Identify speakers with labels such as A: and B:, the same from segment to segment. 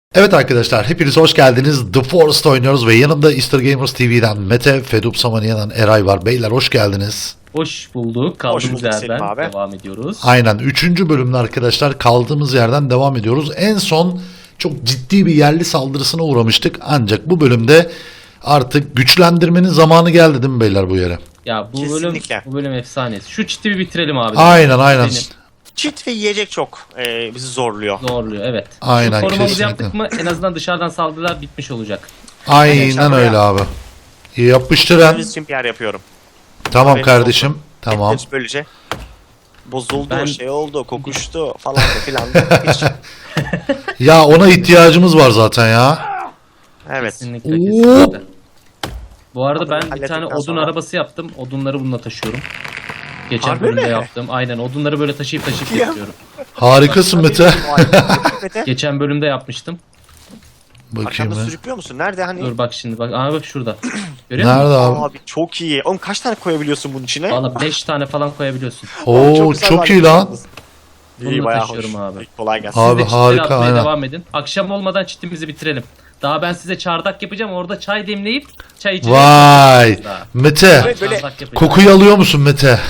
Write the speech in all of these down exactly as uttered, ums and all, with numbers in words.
A: Evet arkadaşlar, hepiniz hoş geldiniz. The Forest oynuyoruz ve yanımda Easter Gamers T V'den Mete, Fedup Samaniye'den Eray var. Beyler hoş geldiniz.
B: Hoş bulduk. Kaldığımız
C: Hoş bulduk
B: yerden
C: abi.
B: devam ediyoruz.
A: Aynen, üçüncü bölümde arkadaşlar kaldığımız yerden devam ediyoruz. En son çok ciddi bir yerli saldırısına uğramıştık. Ancak bu bölümde artık güçlendirmenin zamanı geldi değil mi beyler bu yere?
B: Ya bu bölüm
C: Kesinlikle.
B: bu bölüm efsanesi. Şu çiti bir bitirelim abi.
A: Aynen aynen.
B: Benim
C: Çit ve yiyecek çok e, bizi zorluyor.
B: zorluyor evet.
A: Aynen,
B: Şu korumamızı
A: kesinlikle.
B: yaptık mı en azından dışarıdan saldırılar bitmiş olacak.
A: Aynen
C: Yaşar
A: öyle
C: buraya.
A: abi. Yapıştıran.
C: Biz için P R yapıyorum.
A: Tamam
C: Benim
A: kardeşim. Tamam.
C: Etleri böylece bozuldu,
B: Ben-
C: şey oldu, kokuştu falan da filan da. Hiç.
A: Ya ona ihtiyacımız var zaten ya.
C: Evet.
B: Kesinlikle
A: Oo.
B: kesinlikle. Bu arada ben bir
C: Hallettikten
B: tane odun
C: sonra-
B: arabası yaptım. Odunları bununla taşıyorum. Geçen
C: Harbi
B: bölümde
C: mi?
B: yaptım. Aynen odunları böyle taşıyıp taşıyıp
C: Ya.
B: getiriyorum.
A: Harikasın Mete.
C: Mete.
B: Geçen bölümde yapmıştım.
A: Bakayım
C: Arkamda
A: ben.
C: sürüklüyor musun? Nerede hani?
B: Dur bak şimdi bak. Aa bak şurada. Görüyor musun?
A: Nerede abi?
C: Abi çok iyi. Oğlum kaç tane koyabiliyorsun bunun içine?
B: Valla beş tane falan koyabiliyorsun.
A: Oo
C: güzel
A: çok iyi lan.
B: Bunu
C: İyi
B: da
C: bayağı
B: taşıyorum
C: hoş.
B: abi.
C: İyi, kolay gelsin.
A: Abi
B: Siz de çitleri
A: harika,
B: atmaya
A: aynen.
B: devam edin. Akşam olmadan çitimizi bitirelim. Daha ben size çardak yapacağım. Orada çay demleyip çay içeceğim.
A: Vay.
B: Daha.
A: Mete.
C: Evet, böyle
B: Çardak yapacağım.
A: Kokuyu alıyor musun Mete?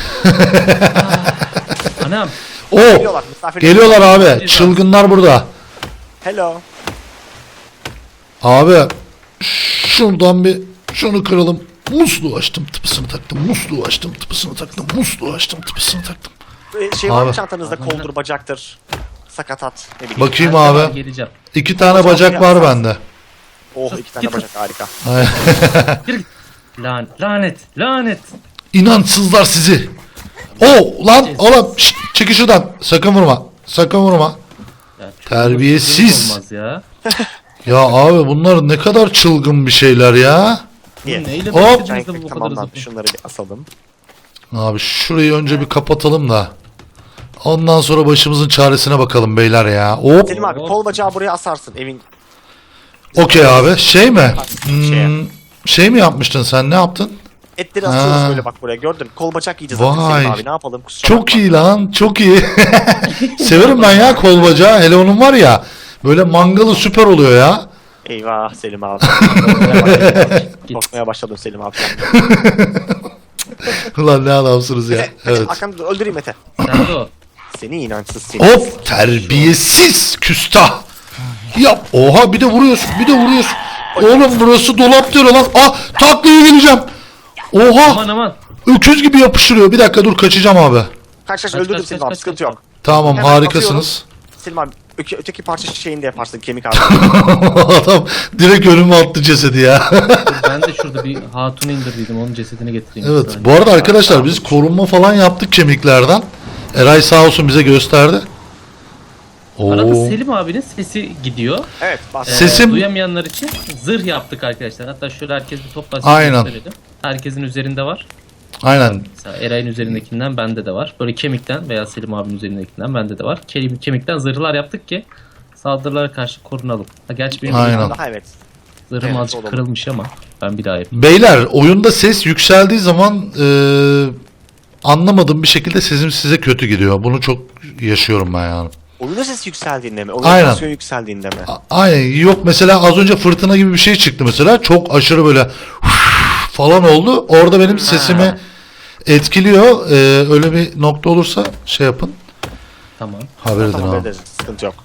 B: Anam.
A: Oo.
C: Geliyorlar, misafir
A: Geliyorlar abi.
B: Geliyorlar.
A: Çılgınlar burada.
C: Hello.
A: Abi şuradan bir şunu kıralım. Musluğu açtım, tıpısını taktım. Musluğu açtım, tıpısını taktım. Musluğu açtım, tıpısını taktım.
C: Böyle şey var
A: Abi.
C: mı çantanızda? Koldur, bacaktır. Sakatat. Ne bileyim.
A: Bakayım
B: her zaman
A: abi.
B: Geleceğim.
A: İki tane bacak var bende.
C: Oh, iki tane bacak harika.
B: Lan, lanet. Lanet.
A: İnançsızlar sizi. Oo lan oğlum şşt, çekil şuradan. Sakın vurma. Sakın vurma.
B: Ya, çok
A: Terbiyesiz.
B: Olmaz ya.
A: Ya abi bunlar ne kadar çılgın bir şeyler ya.
B: Bu
C: Niye?
B: neyle
A: Hop.
B: bitirdiniz de bu kadar
C: Tamam lan
B: hızlı?
C: şunları bir asalım.
A: Abi şurayı önce bir kapatalım da. Ondan sonra başımızın çaresine bakalım beyler ya. Hop.
C: Selim abi kol bacağı buraya asarsın evin.
A: Okey abi. Şey mi?
C: Şeye.
A: Hmm, şey mi yapmıştın sen? Ne yaptın?
C: Etleri asıyoruz
A: Ha.
C: böyle bak buraya gördün. Kol bacak yiyeceğiz artık
A: Vay.
C: Selim abi ne yapalım kusura
A: Çok
C: bakma.
A: iyi lan. Çok iyi. Severim ben ya kol bacağı. Hele onun var ya. Böyle mangalı süper oluyor ya.
C: Eyvah Selim abi. Korkmaya başladım. Korkmaya başladım Selim abi.
A: Ulan ne adamsınız ya.
C: Mete,
A: Evet.
C: Mete arkamda öldüreyim Mete.
B: Nerede o?
C: Seni inançsız seni.
A: Hop. Terbiyesiz küstah. Yap. Oha bir de vuruyorsun. Bir de vuruyorsun. Oğlum burası dolap diyor lan. Ah taklaya geleceğim. Oha.
B: Aman aman.
A: Öküz gibi yapıştırıyor. Bir dakika dur kaçacağım abi.
C: Kaç kaç
B: Kaç,
C: öldürdüm
B: kaç,
C: Selim
B: kaç,
C: abi
B: kaç,
C: sıkıntı
B: kaç.
C: yok.
A: Tamam
C: Hemen
A: harikasınız.
C: Selim abi öke, öteki parça şeyini de yaparsın kemik abi.
A: Adam direkt önüme attı cesedi ya.
B: Dur, ben de şurada bir hatunu indirdiydim. Onun cesedini getireyim. bir
A: Evet.
B: saniye.
A: Bu arada arkadaşlar biz korunma falan yaptık kemiklerden. Eray sağ olsun bize gösterdi.
B: Arada
A: Oo.
B: Selim abinin sesi gidiyor.
C: Evet bak.
B: Ee,
A: Sesim-
B: Duyamayanlar için zırh yaptık arkadaşlar. Hatta şöyle herkes bir toplasın.
A: Aynen.
B: gösterelim. Herkesin üzerinde var.
A: Aynen.
B: Mesela Eray'ın üzerindekinden bende de var. Böyle kemikten veya Selim abinin üzerindekinden bende de var. Ke- Kemikten zırhlar yaptık ki saldırılara karşı korunalım. Ha, gerçi benim
A: Aynen.
C: Daha evet.
B: zırhım
C: Evet,
B: azıcık
C: olalım.
B: kırılmış ama ben bir daha yapayım.
A: Beyler oyunda ses yükseldiği zaman eee anlamadığım bir şekilde sesim size kötü gidiyor. Bunu çok yaşıyorum ben yani.
C: Oyunun sesi yükseldiğinde mi?
A: Aynen.
C: Oyunun sesi yükseldiğinde mi?
A: A- Aynen. Yok mesela az önce fırtına gibi bir şey çıktı mesela. Çok aşırı böyle falan oldu. Orada benim sesimi etkiliyor. Eee, öyle bir nokta olursa şey yapın.
B: Tamam.
A: Haber edin
C: Tamam
A: abi.
C: ederiz. Sıkıntı yok.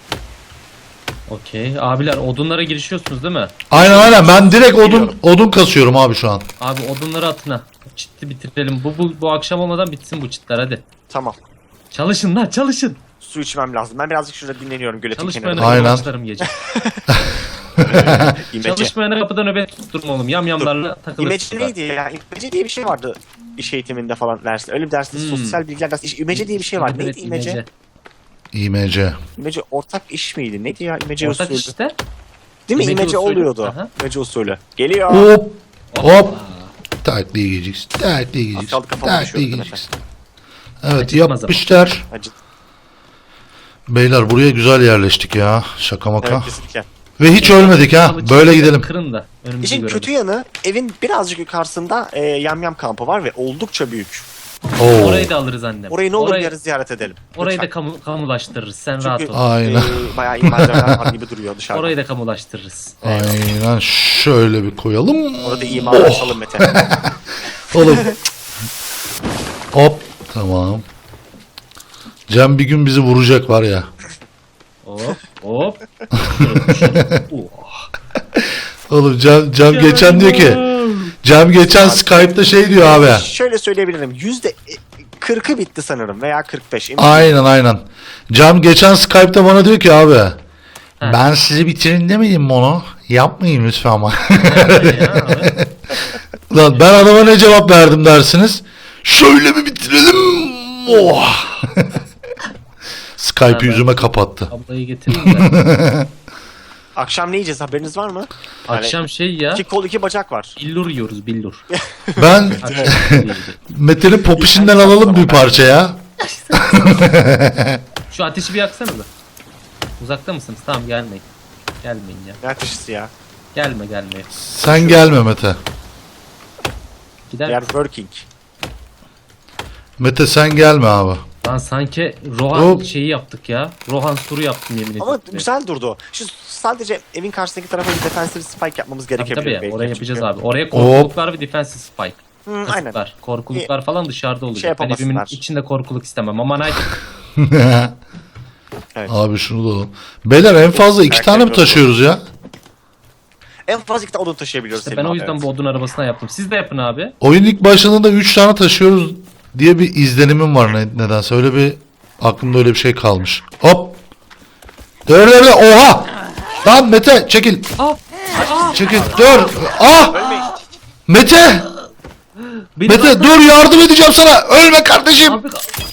B: Okey. Abiler odunlara girişiyorsunuz değil mi?
A: Aynen aynen. Ben direkt odun
C: Biliyorum.
A: odun kasıyorum abi şu an.
B: Abi odunları atına. Çitli bitirelim. Bu, bu, bu akşam olmadan bitsin bu çitler hadi.
C: Tamam.
B: Çalışın lan çalışın.
C: Su içmem lazım. Ben birazcık şurada dinleniyorum göletin
B: Çalışmayana
C: kenarında.
A: Aynen.
B: başlarım gece.
C: İmece.
B: Çalışmayana kapıda nöbet tutturma oğlum. Yamyamlarla takılırsın.
C: İmece neydi ya? İmece diye bir şey vardı iş eğitiminde falan derste. Öyle bir derste
B: Hmm.
C: sosyal bilgiler dersi. İş- İmece diye bir şey vardı.
B: Evet,
C: Neydi imece?
A: İ M C.
C: İmece ortak iş miydi? Neydi ya? İmece
B: Ortak
C: usulü.
B: işte.
C: Değil mi?
B: İmece
C: İmece
B: usulü.
C: oluyordu.
B: Aha.
C: İmece usulü. Geliyor.
A: Hop hop. Taklaya geleceksin. Taklaya geleceksin.
C: Asfaltı kafama
A: Taklaya
C: düşüyordu
A: geleceksin. Evet
B: Acıtmaz ama.
A: yapmışlar.
C: Acı.
A: Beyler buraya güzel yerleştik ya. Şaka maka.
C: Evet kesinlikle.
A: Ve hiç ölmedik ha.
B: Alı
A: Böyle
B: çitleri
A: gidelim.
B: Kırın da önümüzü
C: İşin
B: görelim.
C: kötü yanı evin birazcık yukarısında e, yamyam kampı var ve oldukça büyük.
A: Oo.
B: Orayı da alırız annem.
C: Orayı ne olur
B: orayı,
C: yarı ziyaret edelim.
B: orayı da
C: Lütfen.
B: kamu, kamulaştırırız. Sen
C: Çünkü
B: rahat ol.
A: Aynen.
C: e, bayağı imarcılar var gibi duruyor dışarıda.
B: Orayı da kamulaştırırız.
A: Aynen şöyle bir koyalım.
C: Orada imarlaşalım Mete.
A: Oğlum. Hop. Tamam. Cem bir gün bizi vuracak var ya.
B: Hop hop. Şöyle, şöyle. Oh.
A: Oğlum Cem, Cem geçen diyor ki. Cem geçen Skype'da şey diyor abi.
C: Şöyle söyleyebilirim. Yüzde kırkı bitti sanırım veya kırk beş. emin
A: Aynen aynen. Cem geçen Skype'da bana diyor ki abi. Ben sizi bitirin demedim mi onu? Yapmayın lütfen ama.
B: Ya, abi.
A: Lan ben adama ne cevap verdim dersiniz? Şöyle mi bitirelim? Oh. Skype'ı
B: Ha, ben-
A: yüzüme kapattı.
B: Ablayı getirin de.
C: Akşam ne yiyeceğiz haberiniz var mı? Yani
B: Akşam şey ya.
C: iki kol iki bacak var.
B: Billur yiyoruz billur.
A: Ben
B: Akşam yiyeceğiz.
A: Mete'nin popişinden alalım bir parça ya.
B: Şu ateşi bir yaksanıza. Uzakta mısınız? Tamam gelmeyin. Gelmeyin ya.
C: Ne ateşisi ya?
B: Gelme gelme.
A: Sen gelme Mete.
B: Gider.
C: We are working.
A: Mete sen gelme abi.
B: Lan sanki Rohan
A: Hop.
B: şeyi yaptık ya. Rohan turu yaptım yemin ederim.
C: Ama güzel durdu. Şu sadece evin karşısındaki tarafa bir defensive spike yapmamız
B: Tabii
C: gerekebilir
B: tabii
C: belki.
B: oraya yapacağız
C: Çünkü-
B: abi. Oraya korkuluklar ve defensive spike.
C: Hı, aynen.
B: Kasıklar, korkuluklar falan dışarıda olacak.
C: Şey
B: ben evimin
C: yapamasınlar.
B: içinde korkuluk istemem ama night
C: Evet.
A: Abi şunu da alalım. Beyler en fazla iki
C: Erkek
A: tane mi
C: yok.
A: taşıyoruz ya?
C: En fazla iki tane odun taşıyabiliyoruz.
B: işte ben
C: Selim
B: o
C: abi,
B: yüzden
C: evet.
B: bu odun arabasına yaptım. Siz de yapın abi.
A: Oyun ilk başladığında üç tane taşıyoruz diye bir izlenimim var ne, nedense. Öyle bir aklımda öyle bir şey kalmış. Hop. Dur dur dur. Oha. Lan Mete çekil.
B: Ah!
A: Çekil. Dur. Ah.
C: Ölmeyin.
A: Mete.
B: Beni
A: Mete dur yardım edeceğim sana. Ölme kardeşim.
B: Abi,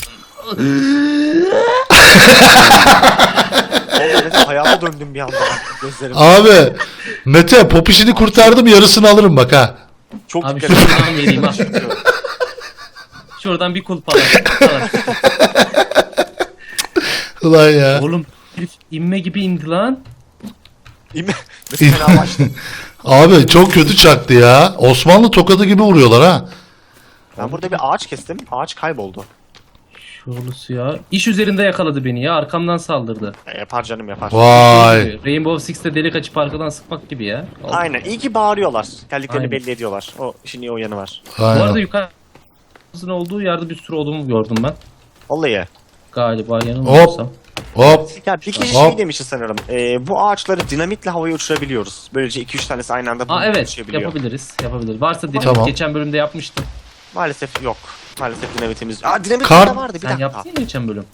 C: Vallahi dedim, hayata döndüm bir anda. Gözlerim.
A: Abi. Mete popişini kurtardım yarısını alırım bak ha.
C: Çok
B: abi
C: dikkat
B: şuradan vereyim ha. Şuradan bir kulp alalım. Alalım.
A: Ulan ya.
B: Oğlum herif inme gibi indi lan.
C: İmi- Mesela başladı.
A: Abi çok kötü çaktı ya. Osmanlı tokadı gibi vuruyorlar ha.
C: Ben burada bir ağaç kestim. Ağaç kayboldu.
B: Şurası ya. İş üzerinde yakaladı beni ya. Arkamdan saldırdı.
C: E, yapar canım yapar.
A: Vay.
B: Rainbow Six'te delik açıp arkadan sıkmak gibi ya.
C: Aynen. İyi ki bağırıyorlar. Geldiklerini
B: Aynen.
C: belli ediyorlar. O işin iyi o yanı var.
B: Bu arada
A: Aynen.
B: yukarısının olduğu yerde bir sürü odun gördüm ben.
C: Vallahi.
B: Galiba yanılmıyorsam.
A: Hop.
C: Ya bir kişi
A: Hop.
C: şey demişti sanırım. E, bu ağaçları dinamitle havaya uçurabiliyoruz. Böylece iki üç tanesi aynı anda
B: Aa
C: bunu
B: evet
C: uçabiliyor.
B: yapabiliriz. Yapabiliriz. Varsa dedim
A: Tamam.
B: geçen bölümde yapmıştım.
C: Maalesef yok. Maalesef dinamitimiz. Aa dinamit
A: Kar-
C: de vardı bir
B: Sen
C: dakika.
B: yaptın ya geçen bölüm.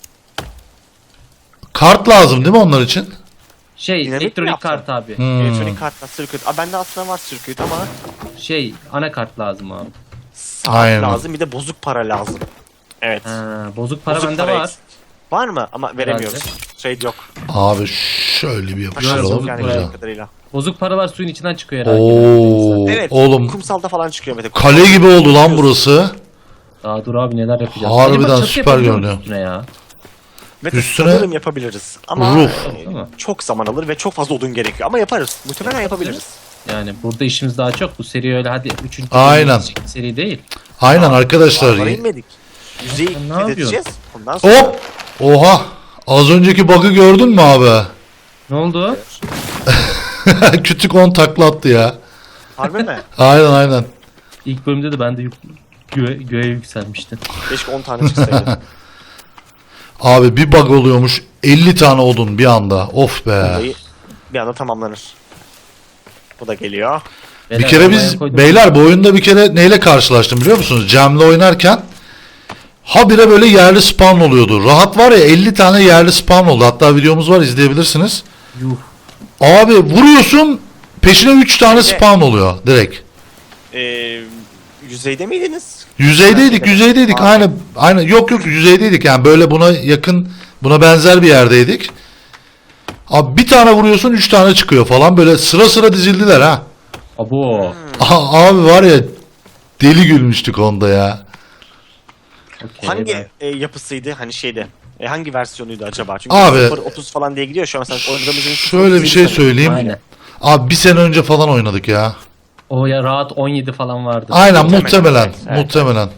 A: Kart lazım değil mi onlar için?
B: Şey
C: Dinamit mi
B: elektronik
C: yaptın?
B: kart abi.
A: Hmm.
C: Elektronik kartla circuit. Aa bende aslında var circuit ama
B: Şey anakart lazım abi.
C: saat
A: Aynen.
C: lazım bir de bozuk para lazım. Evet.
B: Ha, bozuk para
C: Bozuk
B: bende
C: para
B: var.
C: eksik. Var mı? Ama veremiyoruz. Trade yok.
A: Abi şöyle bir
C: Taşıyoruz
A: yapıştıralım.
C: yani
B: buraya.
C: bildiğim kadarıyla.
B: Bozuk paralar suyun içinden çıkıyor herhalde.
A: Oo,
C: Evet.
A: oğlum
C: Kumsalda falan çıkıyor Mete.
A: kale gibi oldu lan burası.
B: Daha dur abi neler yapacağız.
A: Harbiden
B: Acaba çatı
A: süper
B: yapabiliyor muyuz
A: görünüyor.
B: üstüne ya.
C: Mete
A: Üstüne-
C: sanırım yapabiliriz. Ama
A: Ruh.
C: e,
B: Değil mi?
C: çok zaman alır ve çok fazla odun gerekiyor. Ama yaparız. Muhtemelen yapabiliriz.
B: Yani burada işimiz daha çok. Bu seri öyle hadi üçüncü
A: Aynen.
B: bölüm seri değil.
A: Aynen arkadaşlar.
C: Dağlara inmedik. Yüzeyi
B: Sen ne
C: fethedeceğiz. Ondan sonra
A: Hop. Oha. Az önceki bug'ı gördün mü abi?
B: Ne oldu?
A: Kütük on takla attı ya.
C: harbi mi?
A: Aynen aynen.
B: İlk bölümde de ben de yük, göğe, göğe yükselmiştim.
C: Keşke on tane çıksaydı.
A: Abi bir bug oluyormuş. elli tane odun bir anda. Of be.
C: Vallahi bir anda tamamlanır. Bu da geliyor.
A: Bir
B: Beyler,
A: kere
B: arabaya
A: biz
B: koydum.
A: beyler bu oyunda bir kere neyle karşılaştım biliyor musunuz? Cem'le oynarken habire böyle yerli spawn oluyordu. Rahat var ya elli tane yerli spawn oldu. Hatta videomuz var izleyebilirsiniz.
B: Yuh.
A: Abi vuruyorsun peşine üç tane
C: Şeyde-
A: spawn oluyor direkt.
C: Ee, yüzeyde miydiniz?
A: Yüzeydeydik, yüzeydeydik.
C: Aa.
A: Aynı aynı yok yok yüzeydeydik. Yani böyle buna yakın, buna benzer bir yerdeydik. Abi bir tane vuruyorsun üç tane çıkıyor falan böyle sıra sıra dizildiler ha.
B: Abo.
A: Aha, abi var ya deli gülmüştük onda ya.
B: Okey,
C: Hangi
B: ben-
C: e, yapısıydı? Hani şeyde. E, hangi versiyonuydu acaba? Çünkü
A: Abi-
C: sıfır otuz falan diye gidiyor şu an mesela oynadığımızın
A: Şöyle bir şey söyleyeyim.
B: Aynen.
A: Abi bir sene önce falan oynadık ya.
B: O ya rahat on yedi falan vardı.
A: Aynen
C: Muhtemelen,
A: muhtemelen.
C: evet, evet.
A: Muhtemelen.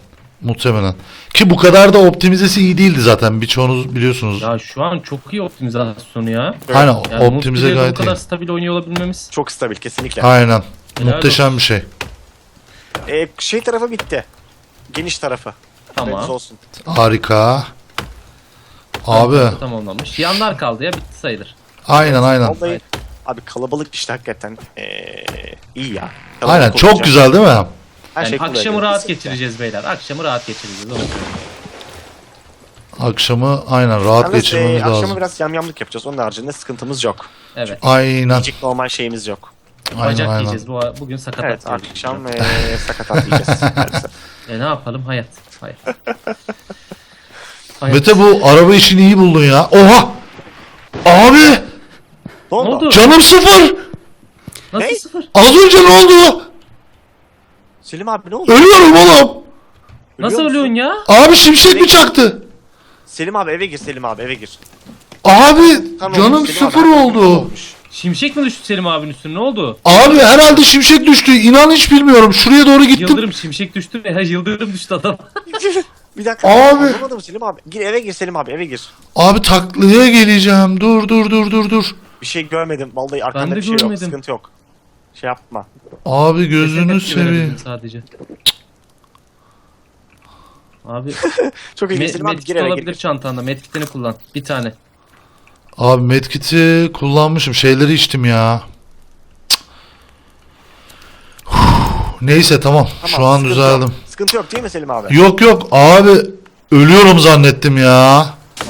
A: Muhtemelen. Ki bu kadar da optimizesi iyi değildi zaten. Birçoğunuz biliyorsunuz.
B: Ya şu an çok iyi optimizasyonu ya.
A: Aynen
B: Yani
A: optimize
B: multiplayer'da
A: gayet
B: bu kadar
A: iyi.
B: stabil oynuyor olabilmemiz.
C: Çok stabil kesinlikle.
A: Aynen.
B: Helal
A: Muhteşem
B: olsun.
A: bir şey.
C: Ee, şey tarafı bitti. Geniş tarafı.
B: Tamam.
C: Haberiniz olsun.
A: Harika. Abi.
B: Tamamlanmış. Yanlar kaldı ya, bitti sayılır.
A: Aynen aynen.
C: Vallahi
B: Aynen.
C: abi kalabalık işte hakikaten ee, iyi ya. Kalabalık
A: Aynen
C: olunca
A: çok güzel değil mi?
C: her
B: Yani
C: şey
B: akşamı
C: kolay.
B: rahat
C: Kesinlikle.
B: geçireceğiz beyler. Akşamı rahat geçireceğiz. Onu söyleyeyim.
A: Akşamı aynen rahat
C: Yalnız,
A: geçirmemiz
C: ee, akşamı
A: lazım.
C: biraz yamyamlık yapacağız. Onun haricinde sıkıntımız yok.
B: Evet.
A: Aynen.
C: Yiyecek normal şeyimiz yok.
A: Aynen
B: Bacak
A: aynen.
B: yiyeceğiz. Bu, bugün sakatat
C: Evet
B: yiyeceğiz.
C: akşam ee, sakatat yiyeceğiz. maalesef.
B: E ne yapalım? Hayat. Hayat. Hayat.
A: Mete bu araba işini iyi buldun ya. Oha! Abi!
C: Ne
B: Ne
C: oldu?
B: oldu?
A: Canım sıfır!
B: Nasıl
C: Ne?
B: sıfır?
A: Az önce ne oldu?
C: Selim abi ne oldu?
A: Ölüyorum oğlum.
B: Nasıl
C: Ölüyor musun?
B: ölüyorsun ya?
A: Abi şimşek mi çaktı?
C: Selim abi eve gir Selim abi eve gir.
A: Abi
C: Kan
A: canım
C: olmuş, Selim abi,
A: sıfır
C: hakikaten kan
A: oldu.
C: olmuş.
B: Şimşek mi düştü Selim abinin üstüne? Ne oldu?
A: Abi herhalde şimşek düştü. İnan hiç bilmiyorum. Şuraya doğru gittim.
B: Yıldırım şimşek düştü mü? Ha, yıldırım düştü adam.
C: Bir dakika.
A: Abi.
C: Anlamadım Selim abi. Gir eve gir Selim abi eve gir.
A: Abi taklaya geleceğim. Dur dur dur dur dur.
C: Bir şey görmedim. Vallahi arkanda
B: de
C: bir şey yok.
B: görmedim.
C: Sıkıntı yok. Şey yapma.
A: Abi gözünü
B: Tepki verebildim
A: seveyim.
B: sadece. Abi
C: Çok
B: me
C: ilginç Selim abi
B: medkit
C: gir eve
B: olabilir
C: gir.
B: çantanda. Medkitini kullan. Bir tane.
A: Abi medkit'i kullanmışım. Şeyleri içtim ya. Cık. Huh, neyse tamam. Şu
C: Tamam,
A: an
C: sıkıntı
A: düzeldim.
C: Yok. Sıkıntı yok değil mi Selim abi?
A: Yok yok abi. Ölüyorum zannettim ya.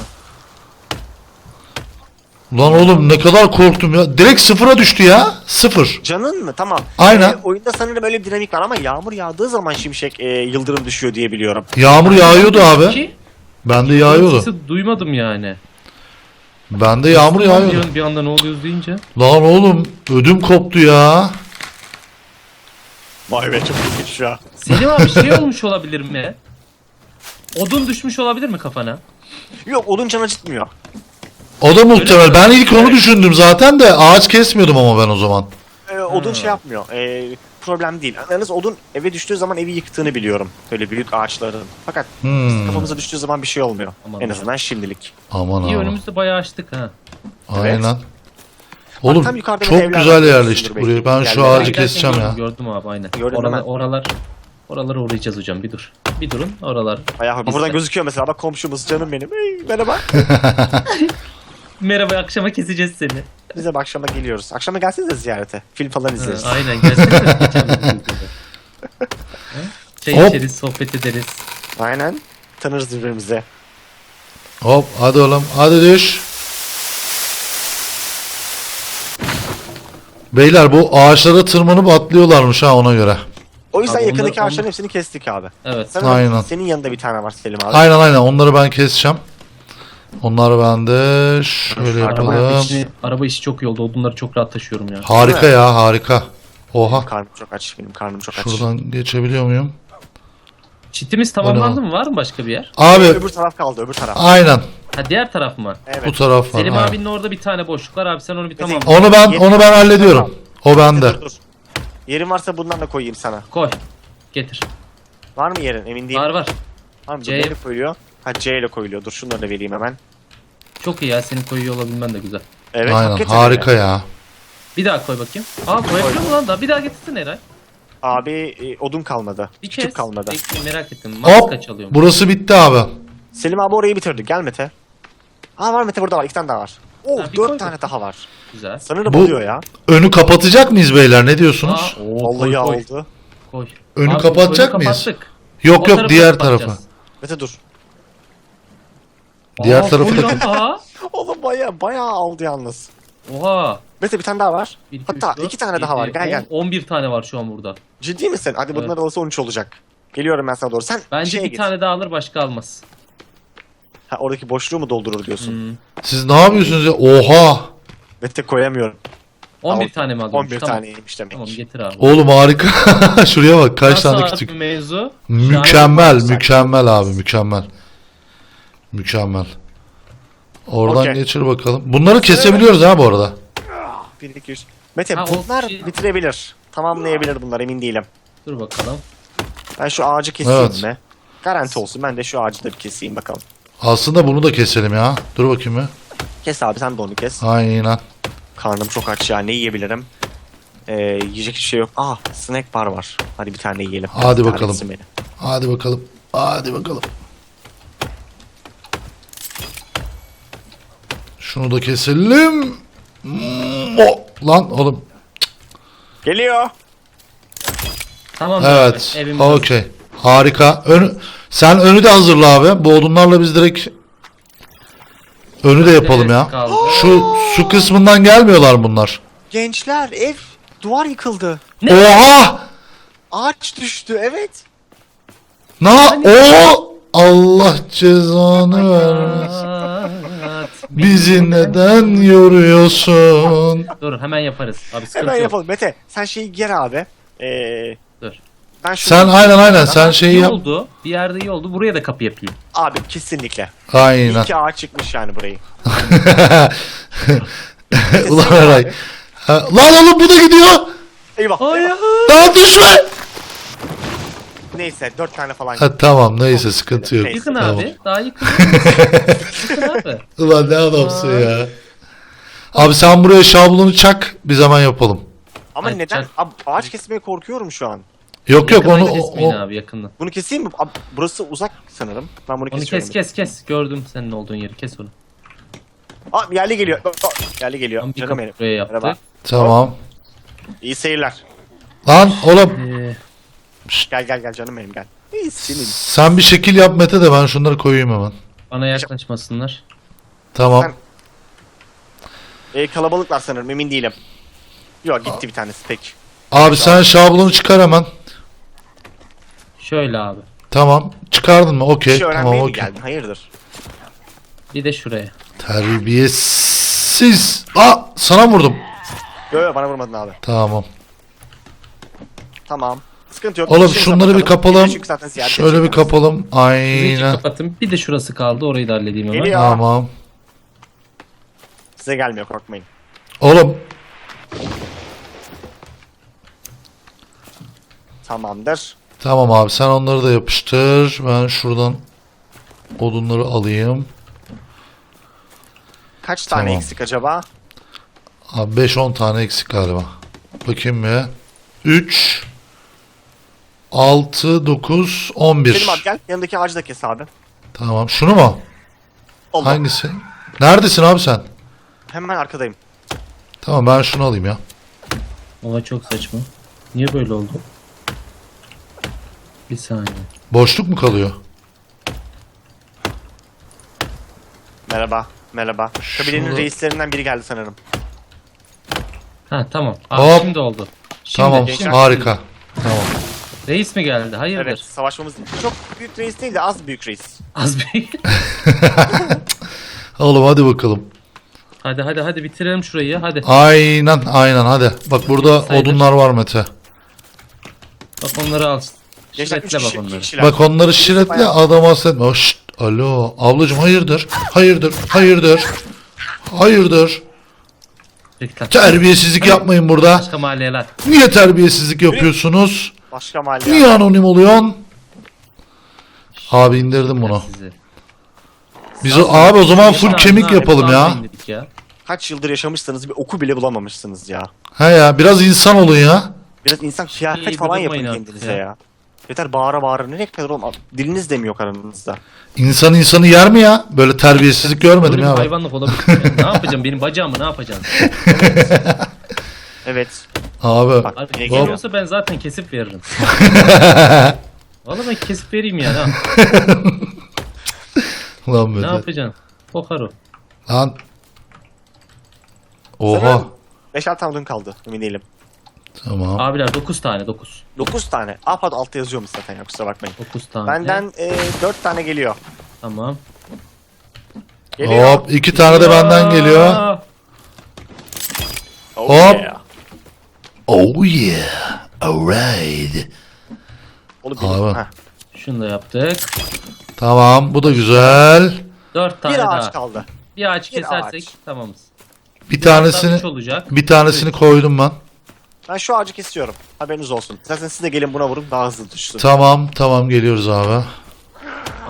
A: Ulan oğlum ne kadar korktum ya. Direkt sıfıra düştü ya. Sıfır.
C: Canın mı? Tamam.
A: Aynen.
C: Ee, oyunda sanırım öyle bir dinamik var ama yağmur yağdığı zaman şimşek e, yıldırım düşüyor diye biliyorum.
A: Yağmur yağıyordu abi.
B: Ki,
A: Bende yağıyordu.
B: sesi duymadım yani.
A: Bende yağmur
B: Bir,
A: yağıyordu.
B: an- bir anda ne oluyoruz deyince.
A: Lan oğlum ödüm koptu ya.
C: Vay be çok ilginç şu an.
B: Selim abi şey olmuş olabilir mi? Odun düşmüş olabilir mi kafana?
C: Yok odun can acıtmıyor.
A: O da muhtemel. Ben ilk onu düşündüm zaten de ağaç kesmiyordum ama ben o zaman.
C: Ee, odun
B: Ha.
C: şey yapmıyor. Ee, problem değil. Yalnız odun eve düştüğü zaman evi yıktığını biliyorum. Böyle büyük ağaçların. Fakat
A: Hmm.
C: kafamıza düştüğü zaman bir şey olmuyor.
B: Aman
C: en
B: ya.
C: azından şimdilik.
A: Aman
B: İyi
A: aman.
B: önümüzde bayağı açtık ha.
A: Aynen.
C: tam
A: Oğlum
C: yukarıda
A: çok
C: evler
A: güzel
C: var.
A: yerleştik
C: Dur
A: buraya.
C: bekle.
A: Ben şu
C: Yerlere
A: ağacı
B: Giderken
A: keseceğim
B: gördüm,
A: ya.
B: Gördüm abi aynen.
C: Gördün
B: oralar,
C: hemen.
B: oralar, oralara uğrayacağız hocam bir dur. Bir durun oralar.
C: Bayağı
B: Biz
C: buradan
B: de-
C: gözüküyor mesela bak komşumuz canım benim. Hey, merhaba.
B: Merhaba akşama keseceğiz seni.
C: Biz de bu akşama geliyoruz. Akşama gelsenize ziyarete. Film falan
B: Ha,
C: izleriz.
B: aynen gelsene. geçen bir videoda. Ha? Çay
A: Hop.
B: içeriz, sohbet ederiz.
C: Aynen. Tanırız birbirimize.
A: Hop hadi oğlum hadi düş. Beyler bu ağaçlara tırmanıp atlıyorlarmış ha ona göre.
C: O yüzden
B: Abi
C: yakındaki
B: onlar-
C: ağaçların hepsini kestik abi.
B: Evet.
C: Sanırım
A: Aynen.
C: senin yanında bir tane var Selim abi.
A: Aynen aynen onları ben keseceğim. Onları ben de şöyle
C: Araba
B: Araba
A: yapalım.
B: işi, araba işi çok iyi oldu. Odunları çok rahat taşıyorum ya.
A: Harika ya harika. Oha.
C: Karnım çok aç. Benim karnım çok aç.
A: Şuradan geçebiliyor muyum?
B: Çitimiz tamamlandı mı? Var mı başka bir yer?
A: Abi
C: Öbür taraf kaldı öbür taraf.
A: aynen
B: Ha diğer taraf mı?
C: Evet.
A: bu taraf var.
B: Selim
A: aynen.
B: abinin orada bir tane boşluk var abi sen onu bir tamam.
A: Onu ben onu ben hallediyorum. O bende.
C: Dur dur. Yerin varsa bundan da koyayım sana.
B: Koy. Getir.
C: Var mı yerin? Emin değilim.
B: Var var.
C: Var mı?
B: C.
C: Neyle koyuluyor? Ha C ile koyuluyor. Dur şunları da vereyim hemen.
B: Çok iyi ya senin koyuyor olabilmen de güzel.
C: Evet.
A: Aynen
C: hakikaten
A: harika
C: öyle.
A: ya.
B: Bir daha koy bakayım. Aa koyabiliyor mu lan daha? Bir daha getirsin Eray.
C: Abi e, odun kalmadı.
B: Bir
C: Küçük
B: kez.
C: kalmadı.
B: Bekle, merak ettim. Max
A: Hop
B: kaç alıyor?
A: burası bitti abi.
C: Selim abi orayı bitirdi. Gel Mete. Aa var Mete burada var. İki tane daha var. Oo
B: Ha, bir
C: dört
B: koy
C: tane
B: bakayım.
C: daha var.
B: Güzel.
C: Sanırım
A: Bu-
C: oluyor ya.
A: Önü kapatacak mıyız beyler ne diyorsunuz?
B: Aa, oo,
C: Vallahi
B: koy, koy,
C: oldu.
B: koy.
A: Önü
B: Abi,
A: kapatacak
B: önü
A: mıyız?
B: kapattık.
A: Yok
B: O
A: yok
B: tarafı
A: diğer
B: kapatacağız.
A: tarafı.
C: Mete dur.
A: Diğer
B: Aa,
A: tarafı
B: koy
A: da-
B: lan daha.
C: Oğlum baya baya aldı yalnız.
B: Oha.
C: Mete bir tane daha var.
B: Bir, iki,
C: Hatta
B: üç, dört,
C: iki tane daha var.
B: yedi,
C: Gel
B: on-
C: gel.
B: on bir tane var şu an burada.
C: Ciddi misin? Hadi bunlar
B: Evet.
C: arası on üç olacak. Geliyorum ben sana doğru. Sen
B: Bence
C: şeye
B: bir
C: git.
B: tane daha alır başka almaz.
C: Ha, oradaki boşluğu mu doldurur diyorsun?
B: Hmm.
A: Siz ne yapıyorsunuz ya? Oha.
C: Mete koyamıyorum.
B: on bir
C: Al-
B: tane mi alıyormuş?
C: on bir
B: Tamam.
C: taneymiş demek.
B: Tamam getir abi.
A: Oğlum harika. Şuraya bak kaç
B: Nasıl
A: tane
B: abi
A: küçük.
B: mevzu?
A: Mükemmel,
C: Şahane.
A: mükemmel abi, mükemmel. Mükemmel. Oradan
C: Okey.
A: geçir bakalım. Bunları kesebiliyoruz ha bu arada.
C: bir iki üç. Mete
B: Ha, o
C: bunlar
B: şey-
C: bitirebilir. Tamamlayabilir bunlar emin değilim.
B: Dur bakalım.
C: Ben şu ağacı keseyim
A: Evet.
C: mi? Garanti olsun. Ben de şu ağacı da bir keseyim bakalım.
A: Aslında bunu da keselim ya. Dur bakayım bir.
C: Kes abi, sen de onu kes.
A: Aynen.
C: Karnım çok aç ya. Ne yiyebilirim? Ee, yiyecek hiçbir şey yok. Ah, snack bar var. Hadi bir tane yiyelim.
A: Hadi
C: Bir
A: bakalım.
C: tanesi beni.
A: Hadi bakalım. Hadi bakalım. Şunu da keselim. Hmm, o. Lan oğlum.
C: Geliyor.
B: Tamam.
A: Evet.
B: Evimiz hazır.
A: Okey. Harika. Önü, sen önü de hazırla abi. Bu odunlarla biz direkt önü de yapalım ya.
B: Kaldı.
A: Şu su kısmından gelmiyorlar bunlar.
C: Gençler, ev, duvar yıkıldı.
A: Oha!
C: Ağaç düştü, evet.
A: Na o Allah cezanı vermesin.
B: Aa,
A: Bizi neden yoruyorsun?
B: Dur hemen yaparız. Abi sıkıntı
C: Hemen
B: yok.
C: yapalım. Mete, sen şeyi ger abi. Ee,
B: Dur.
C: ben şunu...
A: Sen aynen aynen sen
B: Aha,
A: şeyi
B: iyi
A: yap.
B: oldu. Bir yerde iyi oldu. Buraya da kapı yapayım.
C: Abi kesinlikle.
A: Aynen.
C: İyi ki ağaç çıkmış yani burayı.
A: Ulan Eray. Ha, lan oğlum bu da gidiyor.
C: Eyvah.
B: Hayır.
C: eyvah.
A: Daha düşme.
C: Neyse, dört tane falan.
A: Ha, tamam neyse sıkıntı yok.
C: Neyse.
B: Yıkın
A: Tamam.
B: abi. Daha yıkın. Yıkın abi.
A: Ulan ne adamsın ya. Abi sen buraya şablonu çak biz hemen yapalım.
C: Ama
B: Ay,
C: neden?
B: çak.
C: Abi, ağaç kesmeye korkuyorum şu an.
A: Yok yok onu
B: Yakından
A: o,
B: kesmeyin
A: o-
B: abi yakından.
C: Bunu keseyim mi? Abi, burası uzak sanırım. Ben bunu
B: Onu
C: kesiyorum.
B: kes kes kes. Gördüm senin olduğun yeri. Kes onu.
C: Aa, yerli geliyor. Aa, yerli geliyor.
B: Tam bir
C: Canım
B: kapı
C: benim.
B: buraya yaptık.
C: Merhaba.
A: tamam.
C: İyi seyirler.
A: Lan oğlum
B: Ee,
C: Gel gel gel canım benim, gel. İyi senin.
A: sen bir şekil yap Mete de ben şunları koyayım hemen.
B: bana yaklaşmasınlar.
A: Tamam.
C: Sen- Ee, kalabalıklar sanırım, emin değilim. Yok, gitti bir tanesi tek.
A: Abi sen şablonu çıkar hemen.
B: Şöyle abi.
A: Tamam. Çıkardın mı? Okey.
C: Bir şey
A: Tamam
C: öğrenmeye mi
A: okey.
C: geldin? Hayırdır?
B: Bir de şuraya.
A: Terbiyesiz. Aa sana vurdum.
C: Yok yok, bana vurmadın abi.
A: Tamam.
C: Tamam. Sıkıntı yok.
A: Oğlum
C: İşimize
A: şunları bir
C: bakalım.
A: kapalım.
C: Çünkü zaten ziyaret
A: Şöyle bir
C: edeceğiz.
A: kapalım.
B: Sizi
A: Aynen.
B: kapatın. Bir de şurası kaldı. Orayı da halledeyim hemen.
C: Geliyor.
A: Tamam.
C: Size gelmiyor, korkmayın.
A: Oğlum
C: Tamamdır.
A: tamam abi sen onları da yapıştır. Ben şuradan odunları alayım.
C: Kaç tane
A: Tamam.
C: eksik acaba?
A: Abi beş on tane eksik galiba. Bakayım ya. üç altı dokuz on bir.
C: Selim abi gel, yanındaki ağacı da kes abi.
A: Tamam. Şunu mu?
C: Allah.
A: Hangisi? Neredesin abi sen?
C: Hemen arkadayım.
A: Tamam ben şunu alayım ya.
B: Oha çok saçma. Niye böyle oldu? Bir saniye.
A: Boşluk mu kalıyor?
C: Merhaba. Merhaba. Kabilenin
A: Şunu-
C: reislerinden biri geldi sanırım.
B: Ha tamam. Abi
A: Hop.
B: şimdi oldu. Şimdi,
A: Tamam.
B: şimdi.
A: Harika. Tamam.
B: Reis mi geldi? Hayırdır?
C: Evet, savaşmamız çok büyük reis değil de az büyük reis.
B: Az bir.
A: Oğlum hadi bakalım.
B: hadi hadi hadi bitirelim şurayı. Hadi.
A: Aynen aynen hadi. Bak burada
B: Sayılır.
A: odunlar var Mete.
B: Bak onları al.
C: Gençler üç
B: Şiretle
C: kişi,
B: bak
C: iki
B: onları.
C: kişiler.
A: Bak onları şiretle
C: Bayağı-
A: adam hasretme. Oh, şşt, alo ablacım hayırdır? Hayırdır? Hayırdır? Hayırdır?
B: Peki, tamam.
A: Terbiyesizlik yapmayın burada.
B: Başka mahalleler.
A: Niye terbiyesizlik yapıyorsunuz?
C: Başka mahalle.
A: Niye anonim oluyorsun? Abi indirdim bunu.
B: Sizi.
A: Biz o, abi o zaman full
B: Yaşar
A: kemik
B: abi,
A: yapalım
B: kulağına
A: ya.
B: indirdik ya.
C: Kaç yıldır yaşamışsanız bir oku bile bulamamışsınız ya.
A: He ya biraz insan olun ya.
C: Biraz insan kıyafet
B: İyi,
C: falan yapın
B: durmayın
C: kendinize
B: artık
C: ya.
B: ya.
C: Yeter bağıra bağıra. Nereye kadar oğlum? Diliniz de mi yok aranızda?
A: İnsan insanı yer mi ya? Böyle terbiyesizlik görmedim
B: Böyle bir
A: ya ben.
B: hayvanlık olabilir mi ya? Ne yapacağım? Benim bacağımı ne yapacaksın?
C: Evet.
A: Abi.
C: Bak
B: Abi
C: ne
A: Hop.
B: geliyorsa ben zaten kesip veririm. Vallahi ben kesip vereyim ya. Ne,
A: Lan
B: ne
A: Mete.
B: yapacaksın? Kokar o.
A: Lan. Oha.
C: Sanırım beşer tane odun kaldı. Emin değilim.
A: Tamam.
B: Abiler dokuz tane dokuz.
C: dokuz tane. Aa pardon, altta yazıyormuş zaten ya, kusura bakmayın.
B: dokuz tane.
C: Benden e, dört tane geliyor.
B: Tamam.
C: Geliyor.
A: Hop iki tane de benden geliyor.
B: Aa,
C: Oh
A: Hop.
C: yeah.
A: Oh yeah. Alright.
C: Oğlum
A: Abi.
C: benim. Heh.
B: Şunu da yaptık.
A: Tamam bu da güzel.
B: Dört tane
C: Bir
B: daha.
C: ağaç kaldı.
B: Bir ağaç
C: Bir
B: kesersek
C: ağaç.
B: tamamız.
A: Bir
B: Hatta
A: tanesini
B: üç olacak.
A: bir tanesini koydum ben.
C: Ben şu ağacı kesiyorum. Haberiniz olsun. Zaten siz de gelin buna vurun, daha hızlı düşsün.
A: Tamam tamam geliyoruz abi.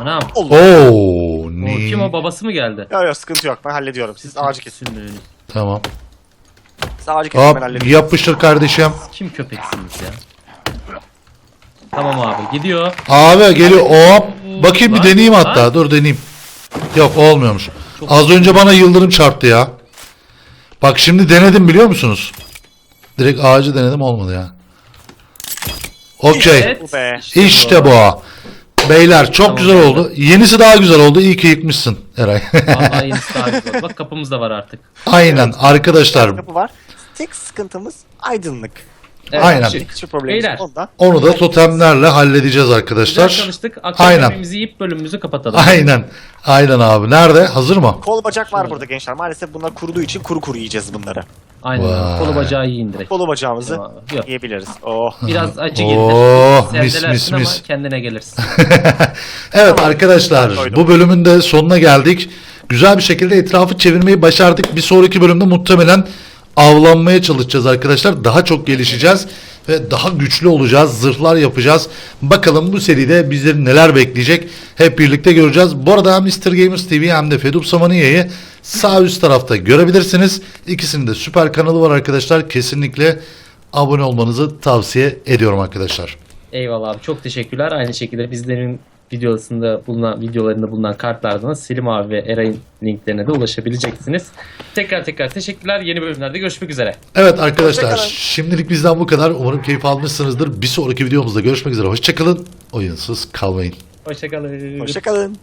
B: Anam.
A: Oo,
B: O,
A: ne?
B: kim o, babası mı geldi?
C: Yok yok sıkıntı yok ben hallediyorum. Siz ağacı kesin.
B: Sümüğünü.
A: Tamam.
C: Siz ağacı kesin ben
A: Hop,
C: hallediyorum.
A: yapıştır kardeşim.
B: Kim köpeksiniz ya? Tamam abi, gidiyor.
A: Abi geliyor. Hop. Bakayım bir
B: Lan,
A: deneyeyim
B: lan.
A: hatta. Dur deneyeyim. Yok olmuyormuş.
B: Çok-
A: Az önce bana yıldırım çarptı ya. Bak şimdi denedim biliyor musunuz? Direkt ağacı denedim olmadı ya. Okey.
B: Evet,
C: Bu be.
A: İşte bu. Beyler çok
B: Tamam,
A: güzel
B: beyler.
A: oldu. Yenisi daha güzel oldu. İyi ki yıkmışsın Eray.
B: Vallahi yenisi daha güzel. Bak kapımız da var artık.
A: Aynen arkadaşlar.
C: Kapı var. Tek sıkıntımız aydınlık.
B: Evet,
A: Aynen.
B: şimdi
C: Hiçbir problemimiz
B: Beyler.
C: yok ondan.
A: Onu da totemlerle halledeceğiz
B: Güzel
A: arkadaşlar.
B: çalıştık. Akşam
A: Aynen.
B: yemeğimizi yiyip bölümümüzü kapatalım.
A: Aynen. Aynen abi. Nerede? Hazır mı?
C: Kol bacak var burada gençler. Maalesef bunlar kuruduğu için kuru kuru yiyeceğiz bunları.
B: Aynen.
A: Vay.
B: Kolu bacağı yiyin direkt.
C: Kolu bacağımızı
B: Tamam abi, yok.
C: yiyebiliriz. Oh.
B: Biraz acı
A: Oh,
B: gelir.
A: mis,
B: Sevdelersin
A: mis,
B: ama
A: mis.
B: kendine gelirsin.
A: Evet arkadaşlar
C: Koydum.
A: bu bölümün de sonuna geldik. Güzel bir şekilde etrafı çevirmeyi başardık. Bir sonraki bölümde muhtemelen avlanmaya çalışacağız arkadaşlar. Daha çok gelişeceğiz ve daha güçlü olacağız. Zırhlar yapacağız. Bakalım bu seride bizleri neler bekleyecek. Hep birlikte göreceğiz. Bu arada hem mister Gamers T V hem de Fedup Samaniya'yı sağ üst tarafta görebilirsiniz. İkisinin de süper kanalı var arkadaşlar. Kesinlikle abone olmanızı tavsiye ediyorum arkadaşlar.
B: Eyvallah abi, çok teşekkürler. Aynı şekilde bizlerin videosunda bulunan videolarında bulunan kartlardan Selim abi ve Eray'ın linklerine de ulaşabileceksiniz. Tekrar tekrar teşekkürler. Yeni bölümlerde görüşmek üzere.
A: Evet arkadaşlar
C: Hoşçakalın.
A: şimdilik bizden bu kadar. Umarım keyif almışsınızdır. Bir sonraki videomuzda görüşmek üzere. Hoşçakalın. Oyunsuz kalmayın.
B: Hoşçakalın.
C: Hoşçakalın.